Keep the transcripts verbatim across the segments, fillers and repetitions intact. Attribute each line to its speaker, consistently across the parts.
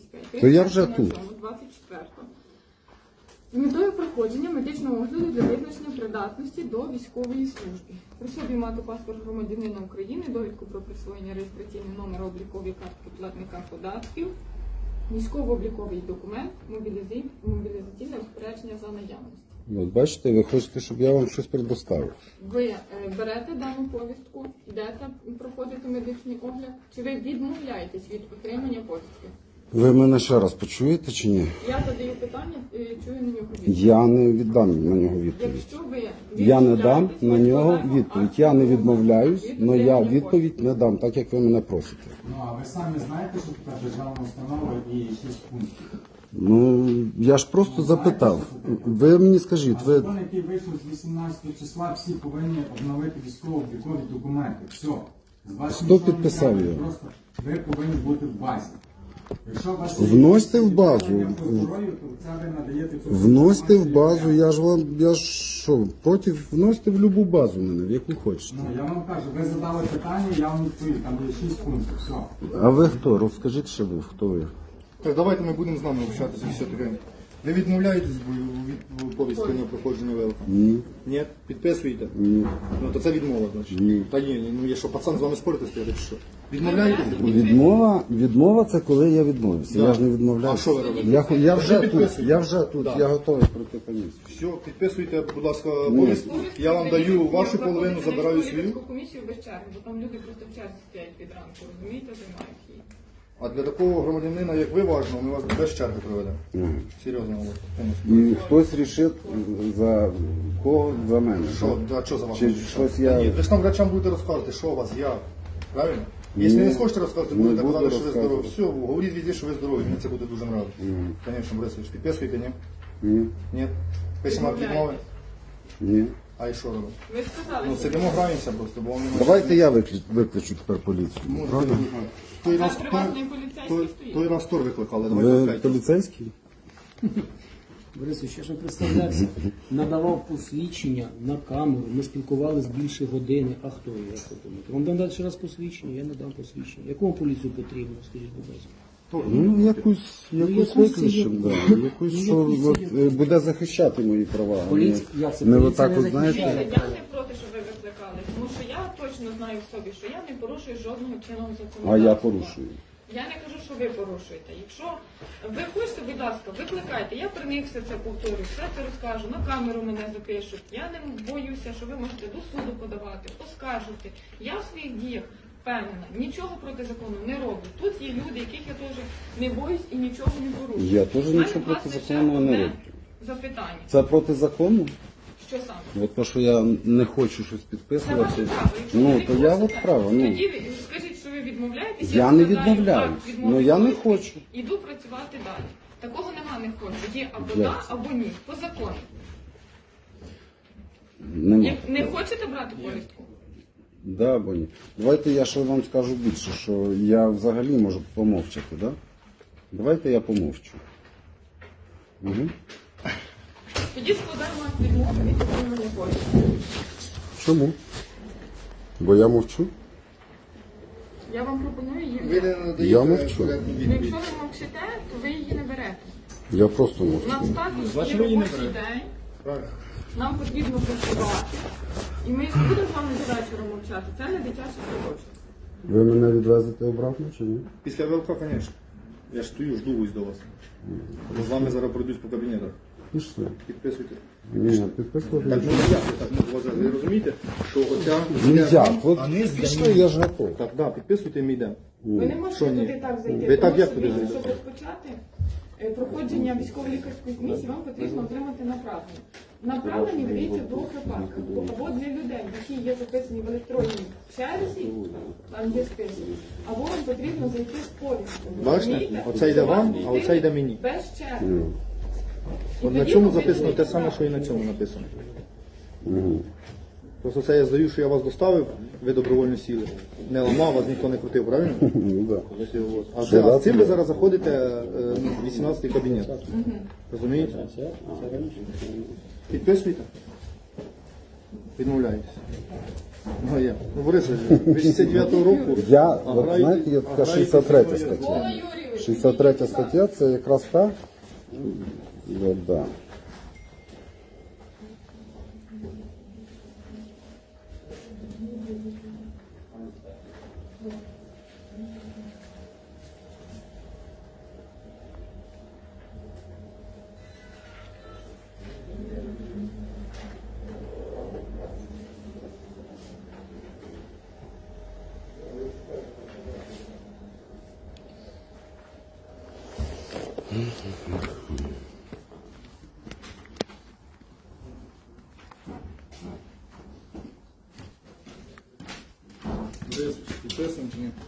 Speaker 1: п'ять.
Speaker 2: То я вже тут.
Speaker 1: двадцять четвертого. З метою проходження медичного огляду для визначення придатності до військової служби. При собі мати паспорт громадянина України, довідку про присвоєння реєстраційного номера облікової картки платника податків, військово-обліковий документ, мобілізі- мобілізаційне розпорядження за наявності.
Speaker 2: От бачите, ви хочете, щоб я вам щось предоставив.
Speaker 1: Ви е, берете дану повістку, йдете проходити медичний огляд, чи ви відмовляєтесь від отримання повістки?
Speaker 2: Ви мене ще раз почуєте чи ні?
Speaker 1: Я задаю питання, е, чую на нього відповідь.
Speaker 2: Я не віддам на нього відповідь.
Speaker 1: Якщо ви
Speaker 2: Я не дам
Speaker 1: відмовляєтесь,
Speaker 2: на
Speaker 1: ми
Speaker 2: нього
Speaker 1: складаємо
Speaker 2: відповідь.
Speaker 1: акт
Speaker 2: Я не
Speaker 1: відмови
Speaker 2: відмовляюсь,
Speaker 1: від
Speaker 2: але я
Speaker 1: отримання
Speaker 2: відповідь не дам, так як ви мене просите.
Speaker 3: Ну, а ви самі знаєте, що така державна установа і шість пунктів?
Speaker 2: Ну, я ж просто запитав. Ви мені скажіть,
Speaker 3: А
Speaker 2: ви...
Speaker 3: закон, який вийшов з вісімнадцятого числа, всі повинні обновити військово-облікові документи. Все. З вас
Speaker 2: Хто
Speaker 3: нічого не
Speaker 2: підписав
Speaker 3: треба,
Speaker 2: його?
Speaker 3: Просто ви повинні бути в базі. Якщо у вас
Speaker 2: Вносьте в базу.
Speaker 3: питання по здоров'ю, то це ви надаєте цю
Speaker 2: Вносьте в
Speaker 3: інформацію.
Speaker 2: базу, я ж вам, я ж що, проти, вносьте в любу базу мене, в яку хочете.
Speaker 3: Ну, я вам кажу, ви задали питання, я вам відповів, там є шість пунктів, все.
Speaker 2: А ви хто? Розкажіть ще ви, хто ви?
Speaker 4: Так, давайте ми будемо з нами общатися все таке. Ви відмовляєтесь від повістки на проходження ВЛК?
Speaker 2: Ні.
Speaker 4: Ні? Підписуєте?
Speaker 2: Ні.
Speaker 4: Ну то це відмова, значить.
Speaker 2: Ні.
Speaker 4: Та ні, ні, ну є що, пацан з вами спорити стояти чи що? Відмовляєтесь?
Speaker 2: Відмова, відмова це коли я відмовився.
Speaker 4: Да.
Speaker 2: Я ж не відмовляюся.
Speaker 4: А що ви робите?
Speaker 2: Я, хо- я вже
Speaker 4: Ви
Speaker 2: тут,
Speaker 4: підписуєте?
Speaker 2: я вже тут,
Speaker 4: Да.
Speaker 2: я готовий пройти комісію.
Speaker 4: Все, підписуйте, будь ласка, повістку. Я вам даю вашу половину, забираю свою.
Speaker 1: комісію без черги, бо там люди просто в черзі стоять від ранку, розумієте, займають її.
Speaker 4: А для такого громадянина, як ви, важливо, ми вас без черги проведемо. Серйозно, Олег, конечно.
Speaker 2: І хтось рішить за кого? За мене.
Speaker 4: Що,
Speaker 2: так?
Speaker 4: а що за вас?
Speaker 2: Чи щось я-
Speaker 4: Ні, ви ж там врачам будете розказувати, що у вас, як. Правильно? Якщо
Speaker 2: Ні.
Speaker 4: не схочете розказувати,
Speaker 2: Не
Speaker 4: будете
Speaker 2: буду
Speaker 4: казати, що ви здорові.
Speaker 2: розказувати.
Speaker 4: Все, говоріть везде, що ви здорові, мені це буде дуже нравитися. Звісно, Борисович, підписуєте, ні?
Speaker 2: Ні.
Speaker 4: Ні? Пишемо акт відмови.
Speaker 2: Ні.
Speaker 4: А і що робимо?
Speaker 1: Ви сказали,
Speaker 4: Ну,
Speaker 1: що
Speaker 4: сидимо, граємося просто, бо вам немає.
Speaker 2: Давайте я викличу, викличу тепер поліцію. Правильно?
Speaker 4: Той
Speaker 1: Це
Speaker 4: раз,
Speaker 1: приватний
Speaker 4: той,
Speaker 1: поліцейський
Speaker 4: той,
Speaker 1: стоїть.
Speaker 4: той раз тор викликали, давайте
Speaker 2: Ви
Speaker 4: опять.
Speaker 2: поліцейський?
Speaker 5: Борисович, я ж не представлявся, надавав посвідчення на камеру, ми спілкувалися більше години, а хто я, як ви думаєте? Вам дам ще раз посвідчення, я не дам посвідчення. Яку вам поліцію потрібно, скажіть, будь ласка?
Speaker 2: Ну, якусь, якусь
Speaker 5: якусь
Speaker 2: викличем,
Speaker 5: це
Speaker 2: да. Якусь,
Speaker 5: Ну,
Speaker 2: що
Speaker 5: якусь
Speaker 2: от,
Speaker 5: це
Speaker 2: е, буде захищати мої права. а не-
Speaker 5: Поліція- як це?
Speaker 2: Не
Speaker 5: Поліція
Speaker 2: отак
Speaker 5: не
Speaker 2: от, знаєте.
Speaker 5: захищає.
Speaker 1: Я не проти, щоб ви викликали, тому що я точно знаю в собі, що я не порушую жодного чинного законодавства.
Speaker 2: А я порушую.
Speaker 1: Я не кажу, що ви порушуєте. Якщо ви хочете, будь ласка, викликайте. Я при них все це повторю, все це розкажу, на камеру мене запишуть. Я не боюся, що ви можете до суду подавати, оскаржувати. Я в своїх діях впевнена, нічого проти закону не роблю. Тут є люди, яких я теж не боюсь і нічого не порушую.
Speaker 2: Я теж
Speaker 1: У мене,
Speaker 2: нічого проти
Speaker 1: власне, ще
Speaker 2: закону не
Speaker 1: одне
Speaker 2: роблю.
Speaker 1: Запитання.
Speaker 2: Це проти закону?
Speaker 1: Що саме?
Speaker 2: От то, що я не хочу щось
Speaker 1: Це ваше
Speaker 2: підписувати.
Speaker 1: право. Якщо ви
Speaker 2: Ну,
Speaker 1: не
Speaker 2: то я
Speaker 1: хочете,
Speaker 2: от право. Ну.
Speaker 1: Тоді ви скажіть, що ви відмовляєтесь.
Speaker 2: Я не
Speaker 1: складаю
Speaker 2: відмовляюсь.
Speaker 1: акт відмови
Speaker 2: Ну, я не
Speaker 1: повістки,
Speaker 2: хочу.
Speaker 1: Іду працювати далі. Такого нема, не хочу. Є або
Speaker 2: Як
Speaker 1: да,
Speaker 2: це?
Speaker 1: або ні. По закону.
Speaker 2: Нема.
Speaker 1: Як не хочете брати повістку?
Speaker 2: Да, або ні. Давайте я ще вам скажу більше, що я взагалі можу помовчати, да? Давайте я помовчу. Угу.
Speaker 1: Тоді складаємо акт відмови від отримання повістки.
Speaker 2: Чому? Бо я мовчу?
Speaker 1: Я вам пропоную її
Speaker 4: Ви
Speaker 1: взяти.
Speaker 4: не надаєте
Speaker 2: Я мовчу.
Speaker 4: коректну
Speaker 1: Ну,
Speaker 4: відповідь.
Speaker 1: якщо ви мовчите, то ви її не берете.
Speaker 2: Я просто
Speaker 1: У
Speaker 2: мовчу.
Speaker 1: нас також
Speaker 3: Значить,
Speaker 1: є
Speaker 3: ви її не
Speaker 1: робочий
Speaker 3: берете.
Speaker 1: день.
Speaker 4: Правильно.
Speaker 1: Нам потрібно працювати. І ми будемо з вами до вечора мовчати. Це не дитячий садочок.
Speaker 2: Ви мене відвезете обратно чи ні?
Speaker 4: Після ВЛК, звісно. Я ж стою, жду ось до вас. Бо з вами зараз пройдусь по кабінетах.
Speaker 2: Пішли.
Speaker 4: Підписуйте.
Speaker 2: Ні, підписувати.
Speaker 4: Так, ну як ви так ну, вважаєте? Ви розумієте, що оця...
Speaker 2: Ну як? От
Speaker 4: А не з
Speaker 2: пішли, я ж готовий.
Speaker 4: Так, да, підписуйте і ми йдемо.
Speaker 1: Ви не можете
Speaker 4: Що ні?
Speaker 1: туди так зайти.
Speaker 4: Ви так
Speaker 1: тому
Speaker 4: як
Speaker 1: що
Speaker 4: туди
Speaker 1: ви,
Speaker 4: зайдете?
Speaker 1: щоб розпочати е, проходження військово-лікарської комісії, вам потрібно отримати направлення. Направлення видається в двох випадках. Або для людей, які є записані в електронній черзі, там є список, або вам потрібно зайти з повісткою.
Speaker 4: Бачите?
Speaker 1: Розумієте?
Speaker 4: Оце йде
Speaker 1: Що
Speaker 4: вам,
Speaker 1: вас
Speaker 4: а оце йде мені.
Speaker 1: Без черги. І
Speaker 4: От на
Speaker 1: тоді
Speaker 4: цьому
Speaker 1: ви
Speaker 4: записано те
Speaker 1: вийдете
Speaker 4: саме,
Speaker 1: з
Speaker 4: що і на цьому написано. Просто це я здаю, що я вас доставив, ви добровольно сіли. Не ламав, вас ніхто не крутив, правильно?
Speaker 2: Ну, да.
Speaker 4: Все, от. А, це, а з цим ви зараз заходите е, в вісімнадцятий кабінет. Розумієте? Підписуйте. Відмовляєтесь. Ну, є. Ну, Борисович, ви шістдесят дев'ятого року.
Speaker 2: Я,
Speaker 4: а
Speaker 2: от
Speaker 4: граєте-
Speaker 2: знаєте, є
Speaker 4: а
Speaker 2: така
Speaker 4: граєте
Speaker 2: шістдесят третя
Speaker 4: зі мною.
Speaker 2: стаття.
Speaker 1: Микола Юрійович,
Speaker 2: шістдесят третя стаття це якраз та. Да, да.
Speaker 4: Підписуємо чи ні?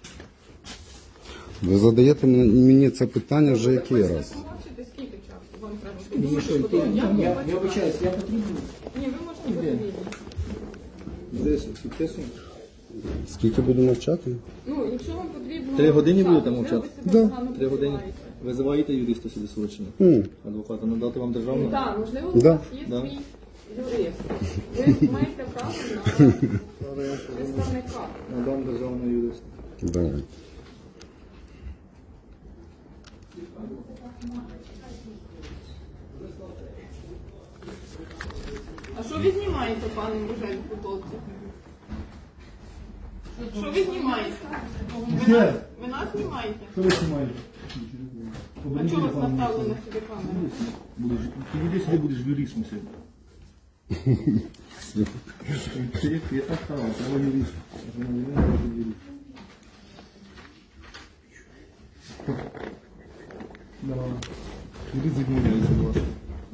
Speaker 2: Ви задаєте мені мені це питання вже який
Speaker 1: Хочете
Speaker 2: раз?
Speaker 1: помовчити, скільки часу вам треба?
Speaker 5: Ну,
Speaker 1: Думаєте,
Speaker 5: що,
Speaker 1: що
Speaker 5: ти-
Speaker 1: я
Speaker 5: я,
Speaker 1: не
Speaker 5: я
Speaker 1: бачу.
Speaker 5: вибачаюсь, я потрібен.
Speaker 1: Ні, ви можете бути вільні.
Speaker 4: десять, підписуємо.
Speaker 2: Скільки буду мовчати?
Speaker 1: Ну, якщо вам потрібно...
Speaker 6: Три години
Speaker 1: час,
Speaker 6: будете
Speaker 1: можливо,
Speaker 6: мовчати?
Speaker 1: ви себе
Speaker 2: Да.
Speaker 1: погано
Speaker 6: Три години.
Speaker 1: почуваєте.
Speaker 6: Визиваєте юриста сюди свого чи ні?
Speaker 2: М.
Speaker 6: Адвоката надати вам державну?
Speaker 1: Так, можливо, у
Speaker 2: Да.
Speaker 1: вас є
Speaker 6: Да.
Speaker 1: свій юрист. Ви маєте право на представника.
Speaker 6: Надам державного юриста.
Speaker 2: Давай.
Speaker 1: А що ви знімаєте, пане Божель, футболці? Що ви знімаєте? Ви нас, ви нас знімаєте?
Speaker 3: Що ви знімаєте?
Speaker 1: А чого вас наставили на собі камеру?
Speaker 6: Будеш, ти іди сюди, будеш юристом сьогодні. Ти, я так став, треба юрист. Юрист відмовляється до вас.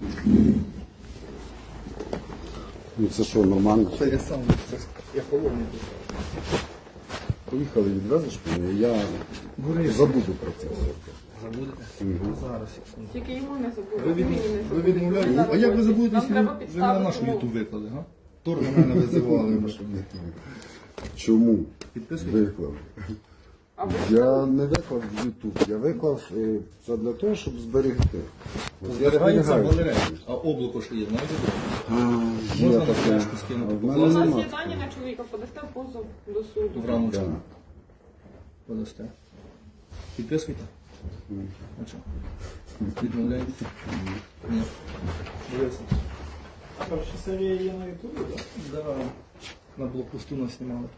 Speaker 2: Ну це що, нормально?
Speaker 4: Це я сам, це я холодний.
Speaker 2: Поїхали, відвезеш мене, я забуду про це все.
Speaker 6: Забудете? Зараз.
Speaker 1: Тільки йому не забули.
Speaker 4: Ви, від...
Speaker 1: мені не
Speaker 4: ви
Speaker 1: забули.
Speaker 4: відмовляєте?
Speaker 1: зараз
Speaker 4: А як ви
Speaker 1: хочете.
Speaker 4: забудете,
Speaker 1: Нам
Speaker 4: якщо
Speaker 1: треба
Speaker 4: ви, ви
Speaker 1: підставити
Speaker 6: На наш
Speaker 1: умови.
Speaker 6: ютуб виклади, га?
Speaker 4: Тор на мене визивали.
Speaker 2: Чому?
Speaker 6: Підписуйте.
Speaker 2: Виклав.
Speaker 1: А ви
Speaker 2: Я не виклав в YouTube, я виклав е, це для того, щоб зберегти. От я
Speaker 6: Зберігається
Speaker 2: зберігаю.
Speaker 6: галерея. А облако що є, знаєте?
Speaker 2: А, є
Speaker 6: Можна на
Speaker 2: таке.
Speaker 6: флешку скинути?
Speaker 2: А в
Speaker 1: У
Speaker 2: мене
Speaker 1: нас
Speaker 2: нема.
Speaker 1: є дані на чоловіка, подасте позов до суду.
Speaker 6: В рамочку.
Speaker 2: Да.
Speaker 6: Подасте. Підписуйте. А що? Відмовляєте? Ні. Дивися.
Speaker 3: А перша серія є на ютубі, так?
Speaker 6: Да. На блокпосту нас знімали.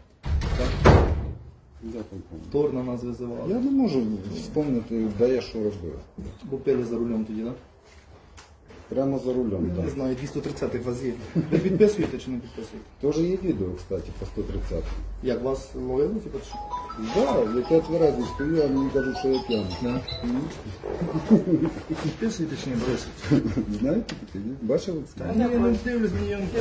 Speaker 2: Де там помню?
Speaker 6: Тор на нас визивали.
Speaker 2: Я не можу вспомнити, де я що робив.
Speaker 6: Бо пили за рулем тоді, так?
Speaker 2: Прямо за рулем,
Speaker 6: Не
Speaker 2: так.
Speaker 6: знаю, двісті тридцять вас є. Ви підписуєте чи не підписуєте?
Speaker 2: Теж є відео, кстати, по сто тридцять.
Speaker 6: Як вас ловили, типу, чи?
Speaker 2: Да, як я тверезий стою, а мені кажуть, що я п'яний.
Speaker 6: Да. Підписуєте чи не, Борис?
Speaker 2: Знаєте таке? ні? Бачили це?
Speaker 6: Ні, я не дивлюсь, мені я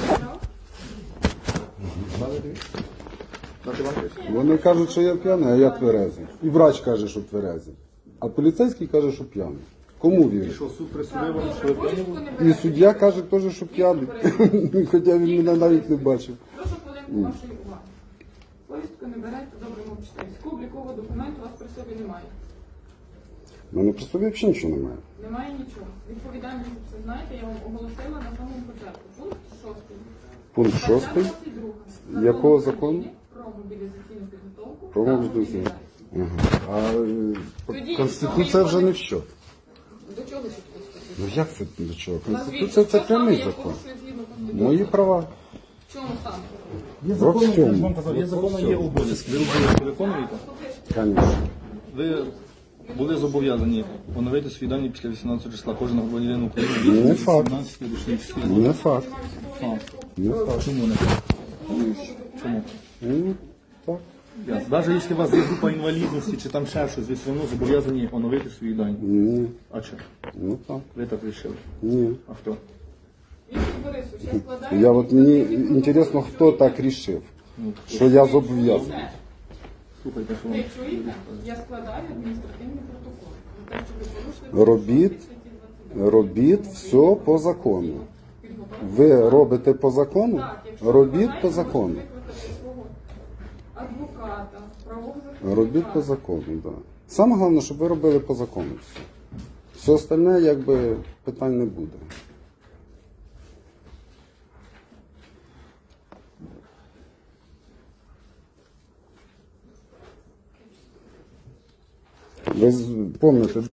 Speaker 4: Дати вам пишу?
Speaker 2: Вони кажуть, що я п'яний, а я тверезий. І врач каже, що тверезий. А поліцейський каже, що п'яний. Кому вірить?
Speaker 6: що, суд присудив
Speaker 1: Так,
Speaker 6: вам,
Speaker 1: добре,
Speaker 6: що ви п'яні
Speaker 1: повістку
Speaker 6: були?
Speaker 1: не
Speaker 2: І
Speaker 1: берете.
Speaker 2: суддя каже теж, що п'яний. Хоча він мене навіть не бачив.
Speaker 1: Прошу хвилинку вашої уваги. Повістку не берете, добре мовчите. Військового облікового документу у вас при собі немає.
Speaker 2: У мене при собі взагалі нічого немає.
Speaker 1: Немає нічого. Відповідальність за це знаєте, я вам оголосила на самому початку. Пункт шостий.
Speaker 2: Пункт шостий. Якого закону?
Speaker 1: Про мобілізаційну підготовку.
Speaker 2: Про
Speaker 1: та
Speaker 2: мобілізаційну.
Speaker 1: мобілізацію.
Speaker 2: Ага. А е,
Speaker 1: Тоді,
Speaker 2: Конституція вже не в що.
Speaker 1: До чого тут Конституція?
Speaker 2: Ну як це до чого?
Speaker 1: Назвіть,
Speaker 2: Конституція це
Speaker 1: що саме
Speaker 2: прямий
Speaker 1: я
Speaker 2: закон.
Speaker 1: порушую згідно Конституції?
Speaker 2: Мої права.
Speaker 1: В чому саме?
Speaker 6: Є
Speaker 2: Во
Speaker 6: закони, я ж
Speaker 2: всьому.
Speaker 6: вам казав, є
Speaker 2: Во
Speaker 6: закони, є
Speaker 2: всьому.
Speaker 6: обов'язки. Ви обов'язки виконуєте?
Speaker 2: Звісно.
Speaker 6: Ви були зобов'язані оновити свої дані після вісімнадцятого числа. Кожен громадянин України
Speaker 2: Не
Speaker 6: від
Speaker 2: факт.
Speaker 6: вісімнадцятого до шістнадцятого.
Speaker 2: Не факт.
Speaker 6: А,
Speaker 2: Не факт.
Speaker 6: чому не? Чому?
Speaker 2: Ну, так.
Speaker 6: Навіть якщо у вас є група інвалідності чи там ще щось, ви все одно зобов'язані оновити свої дані.
Speaker 2: Ні.
Speaker 6: А що?
Speaker 2: Ну так.
Speaker 6: Ви так вирішили?
Speaker 2: Ні.
Speaker 6: А хто?
Speaker 1: Віктор Борисович, я складаю...
Speaker 2: Я от мені інтересно, хто так рішив,
Speaker 6: Ну,
Speaker 2: що я зобов'язаний.
Speaker 1: Все.
Speaker 6: слухайте, що вам.
Speaker 1: Ви чуєте? Я складаю адміністративний протокол. За те, що ви порушили
Speaker 2: Робіть,
Speaker 1: статті двадцять два.
Speaker 2: робіть все по закону. Ви робите по закону?
Speaker 1: Так, якщо ви
Speaker 2: Робіть
Speaker 1: бажаєте,
Speaker 2: по закону.
Speaker 1: можете викликати свого адвоката, правового захисника.
Speaker 2: Робіть по закону, так. Да. Саме головне, щоб ви робили по закону все. Все остальне, якби, питань не буде. Ви з- помните,